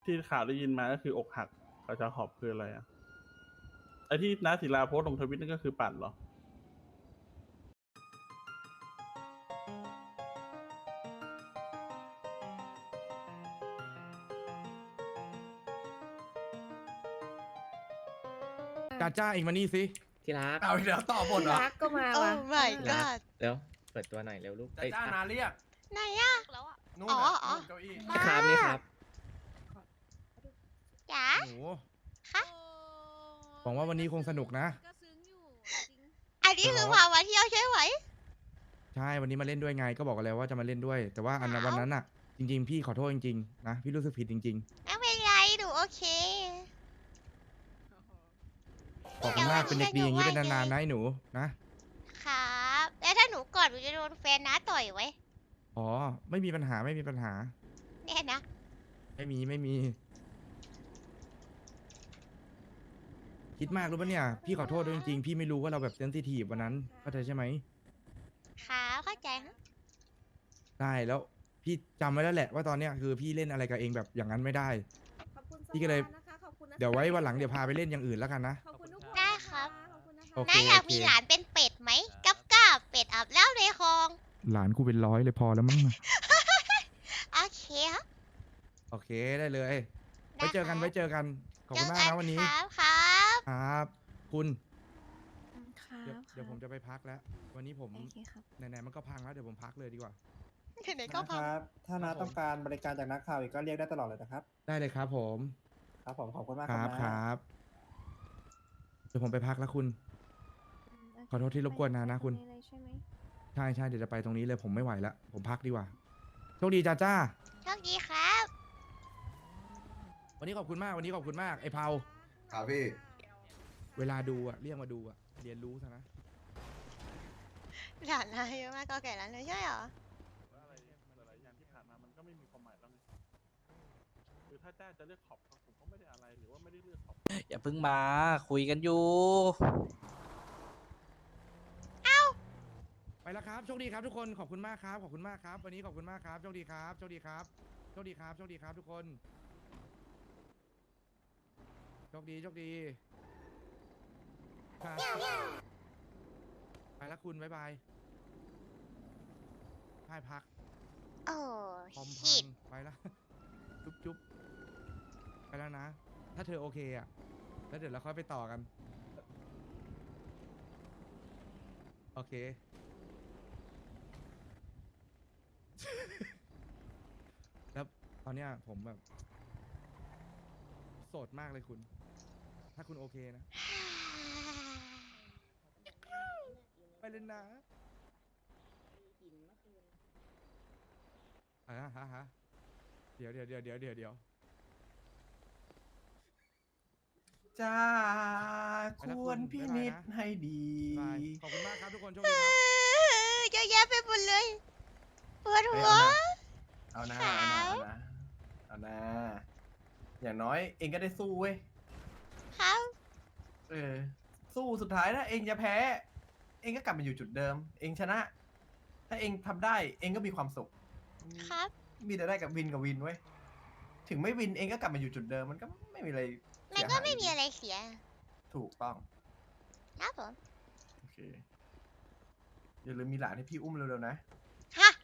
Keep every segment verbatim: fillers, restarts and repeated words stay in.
ที่ข่าวได้ยินมาก็คืออกหักกับจาขอบคืออะไรอะไอที่น้าศิลาโพสต์ลงทวิตนั่นก็คือปั่นเหรอจ้าจ้าเองมานี่สิที่รักเอาเดี๋ยวต่อบทเหรอรักก็มาโอ้ว่ะ my ที่รัก god เร็วเปิดตัวหน่อยเร็วลูกจ้าเอ้ยจ้านาเรียกไหนอะแล้วอ่ะนู่นอ๋อน่ะอ๋อนู่นเก้าอี้นี่ครับนี่ครับจ๋าหนูคะหวังว่าวันนี้คงสนุกนะก็ซึ้งอยู่จริงอันนี้คือพามาเที่ยวใช่ไหมใช่วันนี้มาเล่นด้วยไงก็บอกกันแล้วว่าจะมาเล่นด้วย แต่ว่าอันนั้นอ้าววันนั้นอ่ะ จริง ๆ พี่ขอโทษจริงๆนะพี่รู้สึกผิดจริงไม่เป็นไรหนูโอเคๆขอบคุณมากเป็นเด็กดีอย่างนี้เป็นนานๆนะไอ้หนูนะครับแล้วถ้าหนูกอดหนูจะโดนแฟนน้าต่อยไว้อ๋อไม่มีปัญหาไม่มีปัญหาแน่นะไม่มีไม่มี คิดมากรู้ปะเนี่ยพี่ขอโทษด้วยจริงๆพี่ไม่รู้ว่าเราแบบเซนซิทีฟวันนั้นเข้าใจใช่ไหมครับเข้าใจฮะได้แล้วพี่จำไว้แล้วแหละว่าตอนเนี้ยคือพี่เล่นอะไรกับเองแบบอย่างนั้นไม่ได้ขอบคุณพี่ก็เลยสวานะคะขอบคุณนะคะเดี๋ยวไว้วันหลังเดี๋ยวพาไปเล่นอย่างอื่นแล้วกันนะขอบคุณทุกคนได้ครับขอบคุณนะคะโอเคน้าอยากมีหลานเป็นเป็ดไหมกับกับเป็ดอาบแล้วในคลองหลานกูเป็นร้อยเลยพอแล้วมั้งโอเคครับโอเคได้เลยไว้เจอกันไว้เจอกันขอบคุณมากนะวันนี้ครับครับครับ คุณครับเดี๋ยวเดี๋ยวผมจะไปพักแล้ว วันนี้ผมโอเคครับไหนๆมันก็พังแล้วเดี๋ยวผมพักเลยดีกว่าไหนๆก็นะพัคงรับ ถ้าน้าครับผมต้องการบริการจากนักข่าวอีกก็เรียกได้ตลอดเลยนะครับได้เลยครับผมครับผมขอบคุณมากคครัรับบ คนะรับเดี๋ยวผมไปพักแล้วคุณ ขอโทษที่รบกวนนะนะคุณไปเลยใช่ไหมใช่ใช่เดี๋ยวจะไปตรงนี้เลยผมไม่ไหวแล้วผมพักดีกว่าโชคดีจ้าจ้าโชคดีครับวันนี้ขอบคุณมากวันนี้ขอบคุณมากไอ้เผาครับพี่เวลาดูอะเรียกมาดูอะเรียนรู้ซะนะหลานนายเยอะมากก็แก่แล้วเลยใช่เหรอว่าอะไรหลายๆอย่างที่ผ่านมามันก็ไม่มีความหมายแล้วไงคือถ้าจ้าจะเลือกขอบผมก็ไม่ได้อะไรหรือว่าไม่ได้เลือกขอบอย่าเพิ่งมาคุยกันอยู่ไปแล้วครับโชคดีครับทุกคนขอบคุณมากครับขอบคุณมากครับ วันนี้ขอบคุณมากครับโชคดีครับโชคดีครับโชคดีครับโชคดีครับทุกคนโชคดีโชคดีครับไปแล้วคุณบ๊ายบายให้พักโอ้คอมพัชิดงไปแล้ว จุ๊บจุ๊บไปแล้วนะ ถ้าเธอโอเคอ่ะแล้วเดี๋ยวเราค่อยไปต่อกัน โอเค แล้วตอนเนี้ยผมแบบ โสดมากเลยคุณ ถ้าคุณโอเคนะ ไปเลยนะอ่าฮะฮะเดี๋ยวเดี๋ยวเดี๋ยวเดี๋ยวเดี๋ยวเดี๋ยวจ้าควรพินิจให้ดีบายขอบคุณมากครับทุกคนโชคเอดีครับอเยอะแยะไปหมดเลยปวดหัวเอานะครัเอาบนะเอานะเอานะอย่างน้อยเองก็ได้สู้เว้ยครับเออ สู้สุดท้ายถ้าเองจะแพ้ เองก็กลับมาอยู่จุดเดิม เองชนะ ถ้าเองทำได้ เองก็มีความสุขครับมีแต่ได้กับวินกับวินเว้ย ถึงไม่วินเองก็กลับมาอยู่จุดเดิม มันก็ไม่มีอะไรมันเสียก็หายไม่มีอะไรเสียถูกต้องครับผมโอเค อย่าลืมมีหลานให้พี่อุ้มเร็วๆนะฮะ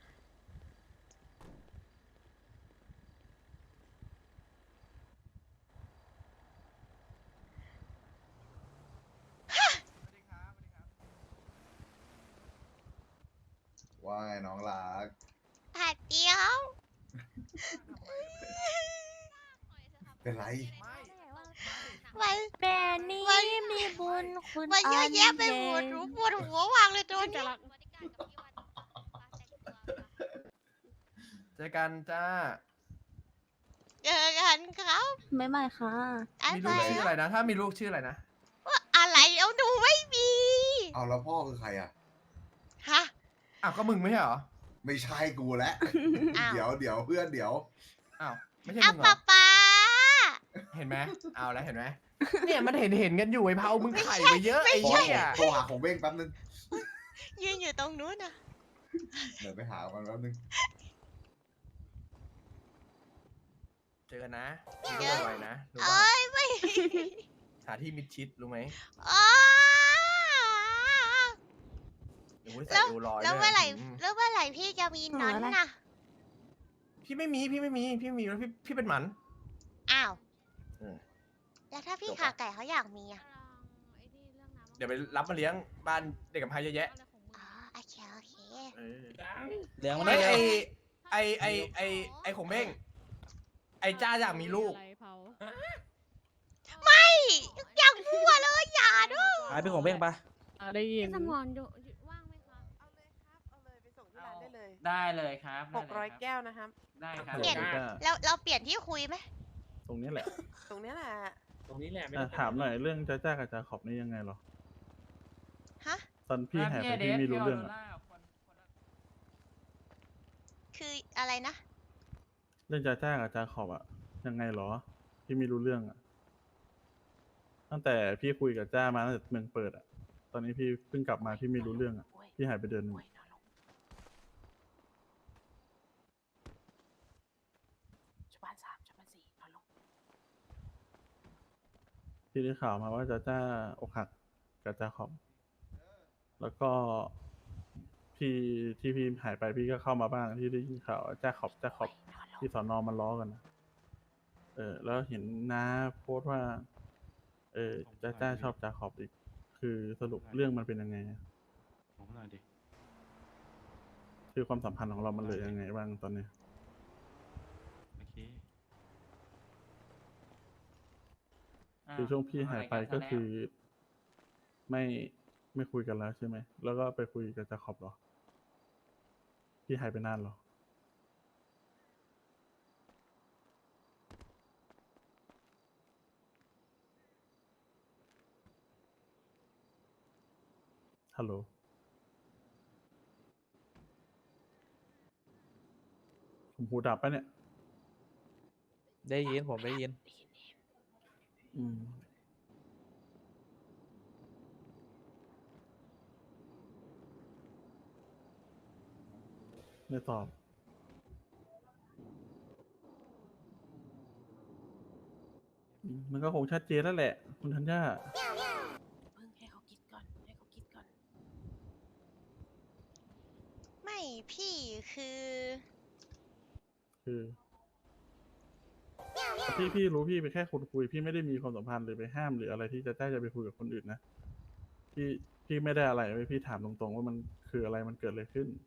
ว่าไงน้องรักผัดเดียวเป็นไรมันแต่นี้มันมีบุญคุณมันเยอะแยะไปหมดรู้ปวดหัววางเลยตัวนี้เจอกันจ้าเจอกันครับไม่ไม่ค่ะอะมีไรลูกชื่ออะไรนะ ถ้ามีลูกชื่ออะไรนะอะไรเอาดูไม่มีเอาแล้วพ่อคือใครอ่ะฮะอ้าว ก็มึงไม่ใช่เหรอไม่ใช่กูแล้วอ้าวเดี๋ยวเดี๋ยวเพื่อนเดี๋ยวอ้าว ไม่ใช่อ่ะมึงเหรป๊าอป๊าเห็นไหม เอาแล้วเห็นไหม เนี่ยมันเห็นเห็นกันอยู่ไอ้เผามึงไข่ไปเยอะไอ้โทรเหี้ยโทรหาของเบ้งแป๊บนึงยืนอยู่ตรงนู้นนะเดี๋ยวไปหามันแป๊บนึงเจอกันนะเจอไวๆนะรู้เอ้ป่ะยไม่หาที่มิดชิดรู้ไหมอ๋อเดี๋ยวไว้ใส่แล้วเอวลอยแล้วด้ยเมื่อไหร่อืมแล้วเมื่อไหร่พี่จะมีนอนน่ะพี่ไม่มีพี่ไม่มีพี่ไม่มีแล้วพี่พี่เป็นหมันอ้าวเออแล้วถ้าพี่จบขาละไก่เขาอยากมีอ่ะเดี๋ยวไปรับมาเลี้ยงบ้านเด็กกำพร้าเยอะแยะอ๋อโอเคโอเคเออเลี้ยงมันไม่ได้ไอไอไอไอไอของเบ้งไอจ้าอยากมีลูกไม่อยากมั่วเลยอย่าด้วยหายไปของเบ้งปะได้ยินสมอนอยู่ว่างไหมคะเอาเลยครับ เอาเลยไปส่งที่ร้านได้เลยได้เลยครับหกร้อยแก้วนะครับได้ครับเปลี่ยนจ้าเราเราเปลี่ยนที่คุยไหมตรงนี้แหละตรงเนี้ยแหละตรงนี้แหละไม่อ่ะต้องถามหน่อยเรื่องจ้าจ้ากับจาขอบนี่ยังไงเหรอฮะตอนพี่หายไปพี่ไม่รู้เรื่องอะคืออะไรนะเรื่องจ้าจ้ากับจาขอบอะยังไงเหรอ พี่ไม่รู้เรื่องอะตั้งแต่พี่คุยกับจ้ามาตั้งแต่เมืองเปิดอะตอนนี้พี่เพิ่งกลับมาพี่ไม่รู้เรื่องอะพี่หายไปเดือนหนึงชุบ้านสามชุบ้านสี่นอนลงพี่ได้ข่าวมาว่าจ้าจ้าอกหักกับจาขอบ แล้วก็พี่ที่พี่หายไปพี่ก็เข้ามาบ้างที่ได้ยินข่าวว่าจ้าขอบจ้าขอบที่สอนอมันล้อกันนะเออ แล้วเห็นน้าโพสต์ว่า เออจ้าจ้าชอบจาขอบอีก คือสรุปเรื่องมันเป็นยังไงอะผมหน่อยดิคือความสัมพันธ์ของเรามันเหลือยังไงบ้างตอนนี้โอเคคือช่วงพี่หายไปก็คือ ไม่ไม่คุยกันแล้วใช่ไหม แล้วก็ไปคุยกับจาขอบเหรอ พี่หายไปนานเหรอ ฮัลโหล ผมหูดับปะเนี่ยได้ยินผมได้ยินอืม ไม่ตอบ อืมมันก็คงชัดเจนแล้วแหละ คุณธัญญาเพิ่งให้เขาคิดก่อน ให้เขาคิดก่อนไม่พี่คือคือพี่พี่รู้พี่เป็นแค่คนคุย พี่ไม่ได้มีความสัมพันธ์หรือไปห้ามหรืออะไรที่จะได้จะไปคุยกับคนอื่นนะ พี่พี่ไม่ได้อะไรเว้ยพี่ถามตรงๆว่ามันคืออะไรมันเกิดอะไรขึ้น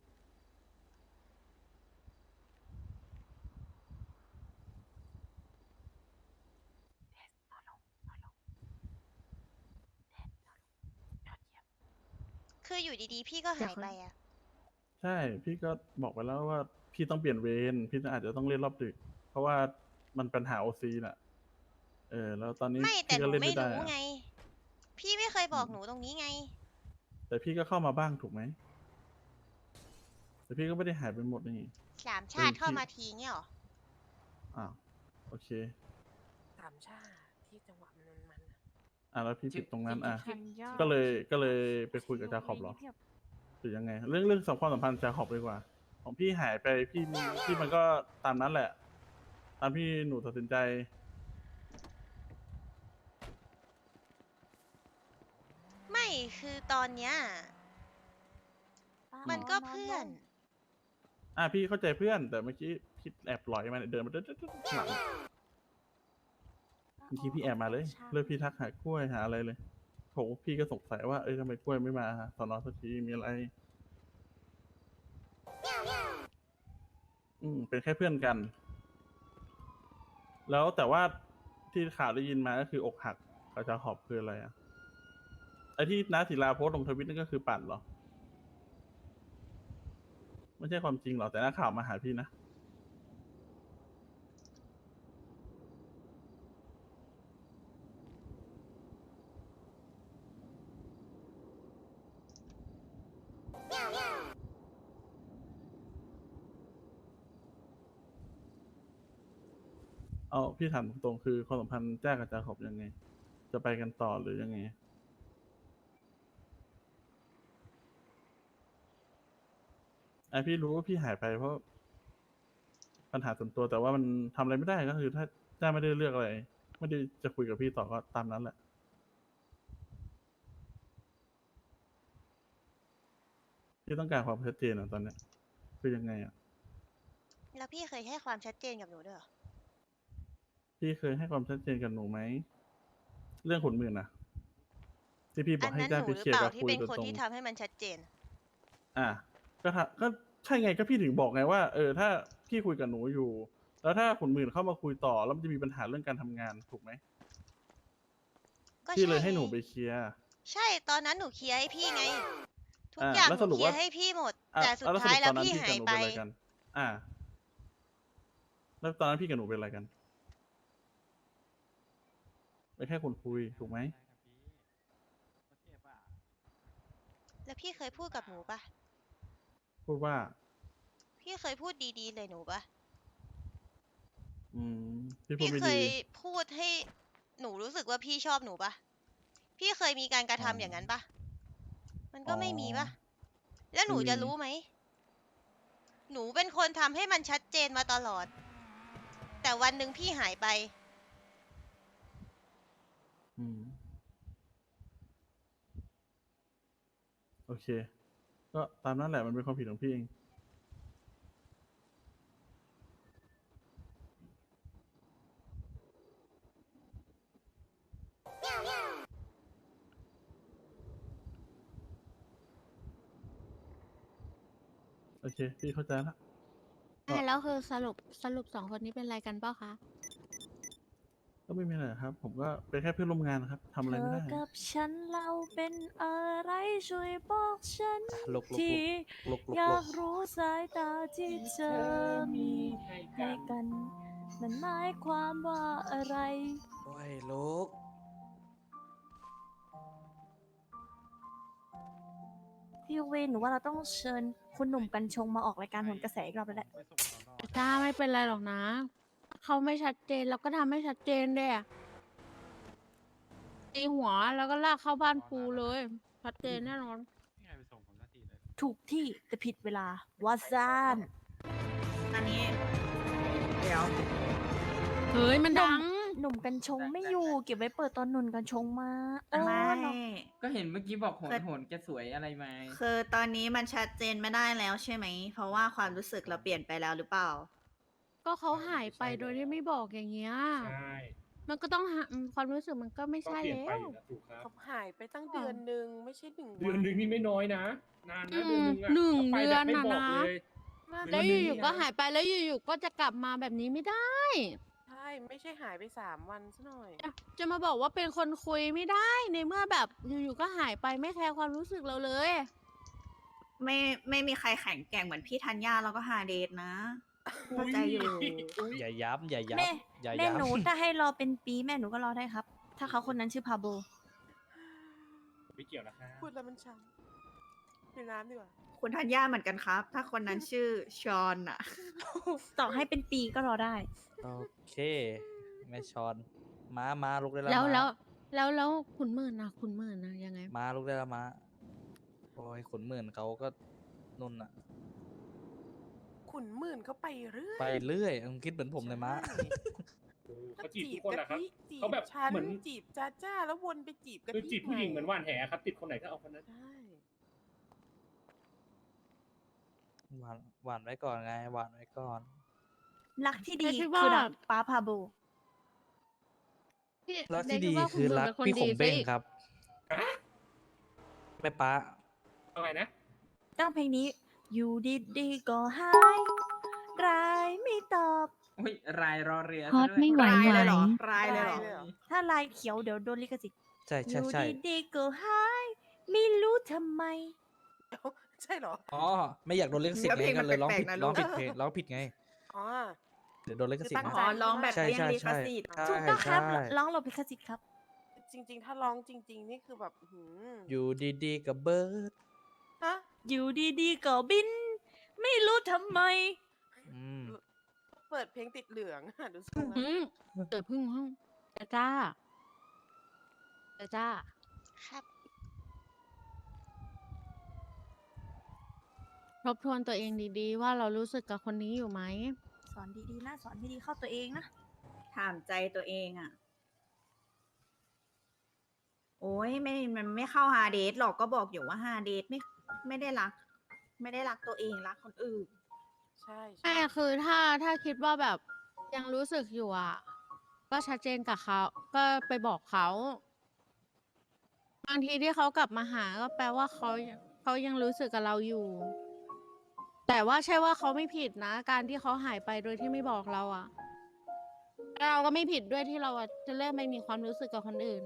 คืออยู่ดีๆ พี่ก็หายไปอ่ะใช่ พี่ก็บอกไปแล้วว่าพี่ต้องเปลี่ยนเวรพี่อาจจะต้องเล่นรอบดึก เพราะว่ามันปัญหาโอซีน่ะ เออ แล้วตอนนี้ไม่แต่พี่หก็นูเล่นไม่ไม่ได้รู้อะไง พี่ไม่เคยบอกหนูตรงนี้ไงแต่พี่ก็เข้ามาบ้างถูกไหม แต่พี่ก็ไม่ได้หายไปหมดนี่สามชาติเออพี่เข้ามาทีเงี้ยหรออ้าวโอเคสามชาที่จังหวะมันมันอ่ะแล้วพี่ผิดตรงนั้นอ่ะทันยอดก็เลยก็เลยไปคุยกับจาขอบเหรอ หรือยังไง เรื่องเรื่องสัมความสัมพันธ์จาขอบดีกว่า ของพี่หายไปพี่พี่มันก็ตามนั้นแหละ ตามพี่หนูตัดสินใจไม่คือตอนเนี้ยมันก็เพื่อนอ่ะพี่เข้าใจเพื่อน แต่เมื่อกี้พี่แอบหลอยมาเนี่ยเดินมาเดินหลังบางทีพี่แอบมาเลยเลิกพี่ทักหากล้วยหาอะไรเลยโถพี่ก็สงสัยว่าเอ้ยทำไมกล้วยไม่มาสอนอสักทีมีอะไร อืมเป็นแค่เพื่อนกัน แล้วแต่ว่าที่ข่าวได้ยินมาก็คืออกหักกับจาขอบคืออะไรอ่ะไอที่น้าศิลาโพสต์ลงทวิตนั่นก็คือปั่นเหรอ ไม่ใช่ความจริงหรอกแต่นักข่าวมาหาพี่นะ เอาพี่ถามตรงๆคือความสัมพันธ์แจ้กับจาขอบยังไง จะไปกันต่อหรือยังไง ไอพี่รู้ว่าพี่หายไปเพราะปัญหาส่วนตัวแต่ว่ามันทำอะไรไม่ได้ก็คือ ถ้าจ้าไม่ได้เลือกอะไร ไม่ได้จะคุยกับพี่ต่อก็ตามนั้นแหละ พี่ต้องการความชัดเจนอะตอนเนี้ยคือยังไงอะแล้วพี่เคยให้ความชัดเจนกับหนูด้วยเหรอพี่เคยให้ความชัดเจนกับหนูไหมเรื่องขุนหมื่นอะที่พี่บอัอกนให้นั้นจ้าหนูไปหรือเคลียเปร์ล่ากับที่คุยเป็นโดยคนตรงที่ทำให้มันชัดเจนอ่ะก็ถ้าก็ใช่ไงก็พี่ถึงบอกไงว่าเออถ้าพี่คุยกับหนูอยู่ แล้วถ้าขุนหมื่นเข้ามาคุยต่อแล้วมันจะมีปัญหาเรื่องการทำงานถูกไหมก็พี่ใช่เลยให้ไงหนูไปเคลียร์ใช่ตอนนั้นหนูเคลียร์ให้พี่ไง ทุกอ่าอย่างแล้วหสนูรุปเคลียว่าร์ให้พี่หมดอ่ะแต่สุดแล้วสท้ารุยปแล้ตวอนนั้นพี่พี่หากับยหนูไปเป็นอะไรกัน อ่า แล้วตอนนั้นพี่กับหนูเป็นอะไรกันเป็นแค่คนคุยถูกไหมแล้วพี่เคยพูดกับหนูปะพูดว่าพี่เคยพูดดีๆเลยหนูปะอืมพี่พูดพี่ไม่เคดียพูดให้หนูรู้สึกว่าพี่ชอบหนูปะพี่เคยมีการกระทำอ๋ออย่างนั้นปะมันอ๋ก็อไม่มีปะแล้วหนูไม่มีจะรู้ไหม หนูเป็นคนทำให้มันชัดเจนมาตลอด แต่วันหนึ่งพี่หายไปอืมโอเค ก็ตามนั้นแหละมันเป็นความผิดของพี่เอง โอเค พี่เข้าใจละ ก็แล้วคือสรุปสรุปสองคนนี้เป็นอะไรกันเปล่าคะก็ไม่มีอะไรครับ ผมก็เป็นแค่เพื่อนร่วมงานครับทำอะไรไม่ได้กับฉันเราเป็นอะไรช่วยบอกฉันลุกลุกทีลุกลุกอลุยาก กรู้สายตาที่เธอมีให้กัน มันหมายความว่าอะไรโอ้ยลุกพี่เวนหนูว่าเราต้องเชิญคุณหนุ่มกัญชงมาออกรายการโหนกระแสอีกรอบแล้วแหละจ้าไม่เป็นไรหรอกนะ เขาไม่ชัดเจนเราก็ทำให้ชัดเจนด้วยอะตีหัวแล้วก็ลากเข้าบ้านปูเลย ชัดเจนแน่นอนถูกที่แต่ผิดเวลาวาซานอันนี้ เดี๋ยวเฮ้ยมันดังหนุ่มกัญชงไม่อยู่ เก็บไว้เปิดตอนหนุ่มกัญชงมาเออไม่เนาะก็เห็นเมื่อกี้บอกโหนโหนแกสวยอะไรมาคือตอนนี้มันชัดเจนไม่ได้แล้วใช่ไหม เพราะว่าความรู้สึกเราเปลี่ยนไปแล้วหรือเปล่าก็เขาหายไปโดยที่ไม่บอกอย่างเงี้ยใช่มันก็ต้องหาอืมความรู้สึกมันก็ไม่ใช่แล้วถูกครับเขาหายไปตั้งเดือนหนึ่งไม่ใช่หนึ่งเดือนหนึ่งนี่ไม่น้อยนะ นานนะอืเดือนมหนึ่งอะหนึ่งขาไปเดือนแบบไม่น่ะบอกนะเลยแล้วอยู่ๆก็หายไปแล้วอยู่ๆก็จะกลับมาแบบนี้ไม่ได้ใช่ ไม่ใช่หายไปสามวันซะหน่อยจะจะมาบอกว่าเป็นคนคุยไม่ได้ในเมื่อแบบอยู่ๆก็หายไปไม่แคร์ความรู้สึกเราเลยไม่ไม่มีใครแข็งแกร่งเหมือนพี่ธัญญาแล้วก็ฮาเดทนะเข้าใจอยู่อย่าย้ำอย่าแม่ย้ำอย่าแม่ย้ำหนูถ้าให้รอเป็นปีแม่หนูก็รอได้ครับ ถ้าเขาคนนั้นชื่อพาโบไม่เกี่ยวนะครับพูดแล้วมันช้ำดื่มน้ำดีกว่า คุณธัญญาเหมือนกันครับ ถ้าคนนั้นชื่อชอนอะต่อให้เป็นปีก็รอได้โอเค แม่ชอน ม้าม้าลุกได้แล้วแล้วม้าแล้วแล้วแล้วขุนหมื่นนะขุนหมื่นนะยังไงม้าลุกได้แล้วม้าโอ้ยขุนหมื่นเขาก็นุ่นอะขุนหมื่นเขาไปเรื่อยไปเรื่อยมึงคิดเหมือนผมเลยม้าเขาจีบทุกคนแหละครับ เขาแบบเหมือนจีบจ้าจ้าแล้ววนไปจีบกันคือจีบผู้หญิงเหมือนว่านแหครับ ติดคนไหนก็เอาคนนั้นใช่หวานหวานไว้ก่อนไง หวานไว้ก่อนรักที่ดีแต่คิดคือว่ารักป้าพาโบพี่รักที่เดดีว่าคือณหมื่นรักเป็นคนพี่ขมดีเบ้งซะอีกครับ แม่ป้าเอาไงนะตั้งเพลงนี้ อยู่ดีๆก็หายรายไม่ตอบอุ้ยรายรอเรือฮอตไม่ไหวรายไหวเลยเหรอรายเลยเหรอถ้าลายเขียวเดี๋ยวโดนลิขสิทธิ์ใช่อใช่ยู่ใช่ดีๆก็หายไม่รู้ทำไมใช่เหรออ๋อ ไม่อยากโดนเลิขสิทธิ์แล้วเพลไงงก็เลยร้องมันผิดแปลกๆนะร้องลูกผิดเพลงร้องผิดไงอ๋อเดี๋ยวโดนลิขสิทธิ์ตั้งนะใจร้องแบบใช่เลี่ยงใช่ลิขใช่สิทธิ์ใช่ถูกต้องครับใช่ร้องหลบลิขสิทธิ์ครับจริง ๆ ถ้าร้องจริง ๆ นี่คือแบบหืมอยู่ดีๆกับเบิร์ดฮะอยู่ดีๆก็บิน ไม่รู้ทำไมอืมเปิดเพลงติดเหลืองอะดูทรงอืแล้วมเกิดพึ่งห้องจ้าจ้าจ้าจ้าครับทบทวนตัวเองดีๆ ว่าเรารู้สึกกับคนนี้อยู่ไหมสอนดีๆนะสอนให้ดีเข้าตัวเองนะถามใจตัวเองอะโอ้ยไม่มันไม่เข้าฮาเดทหรอกก็บอกอยู่ว่าฮาเดทไม่ไม่ได้รัก ไม่ได้รักตัวเองรักคนอื่นใช่ใช่คือถ้าถ้าคิดว่าแบบยังรู้สึกอยู่อ่ะ ก็ชัดเจนกับเขา ก็ไปบอกเขา บางทีที่เขากลับมาหาก็แปลว่าเขาเขายังรู้สึกกับเราอยู่ แต่ว่าใช่ว่าเขาไม่ผิดนะ การที่เขาหายไปโดยที่ไม่บอกเราอ่ะเราก็ไม่ผิดด้วยที่เราอะจะเริ่มไม่มีความรู้สึกกับคนอื่น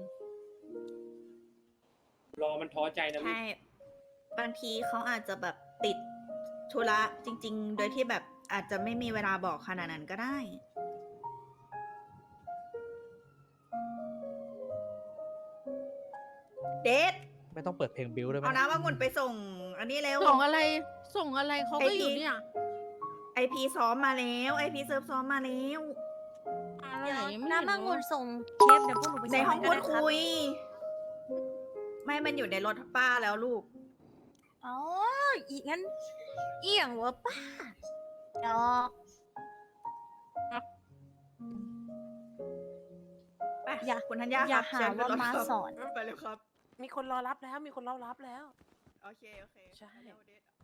รอมันท้อใจนะวิใช่ บางทีเขาอาจจะแบบติดธุระจริง ๆ โดยที่แบบอาจจะไม่มีเวลาบอกขนาดนั้นก็ได้ เดทไม่ต้องเปิดเพลงบิวได้ไหมเอาน้ำองุ่นไปส่ง อันนี้เร็วส่งอะไร ส่งอะไรเขาก็อยู่เนี่ยไอพีซ้อมมาแล้วไอพีเซิร์ฟซ้อมมาแล้วอะไรเดี๋ยวไม่เห็นน้ำมังงุนเลยส่งเคปเดี๋ยวพวกหนูไปในส่ห้องก็พูดไรับคุย ไม่มันอยู่ในรถป้าแล้วลูกอ๋ออีกงั้นเอี่ยงวะป้าดอกไปอย่าคุณธัญญาอย่าครับหาเชิญขึ้นว่ารถมาครับสอนไปเลยครับมีคนรอรับแล้ว มีคนรอรับแล้วโอเค โอเคใช่ไปเร็วเดท